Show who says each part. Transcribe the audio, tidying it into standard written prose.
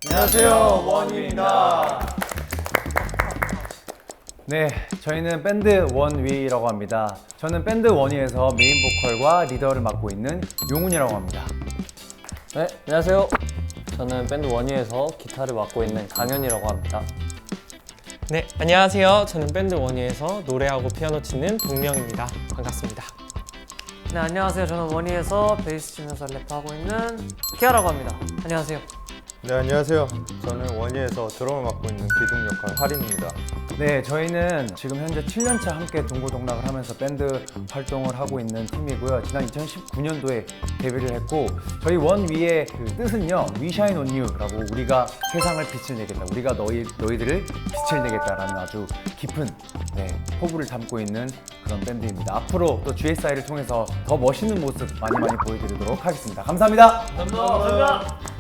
Speaker 1: 안녕하세요, 원위입니다.
Speaker 2: 네, 저희는 밴드 원위라고 합니다. 저는 밴드 원위에서 메인 보컬과 리더를 맡고 있는 용훈이라고 합니다.
Speaker 3: 네, 안녕하세요. 저는 밴드 원위에서 기타를 맡고 있는 강현이라고 합니다.
Speaker 4: 네, 안녕하세요. 저는 밴드 원희에서 노래하고 피아노 치는 동명입니다. 반갑습니다.
Speaker 5: 네, 안녕하세요. 저는 원희에서 베이스 치면서 랩하고 있는 키아라고 합니다. 안녕하세요.
Speaker 1: 네, 안녕하세요. 저는 원희에서 드럼을 맡고 있는 기둥 역할 할인입니다.
Speaker 2: 네, 저희는 지금 현재 7년차 함께 동고동락을 하면서 밴드 활동을 하고 있는 팀이고요. 지난 2019년도에 데뷔를 했고, 저희 원위의 그 뜻은요, We Shine on You라고, 우리가 세상을 빛을 내겠다, 우리가 너희들을 빛을 내겠다라는 아주 깊은 포부를 담고 있는 그런 밴드입니다. 앞으로 또 GSI를 통해서 더 멋있는 모습 많이 보여드리도록 하겠습니다. 감사합니다.
Speaker 5: 감사합니다.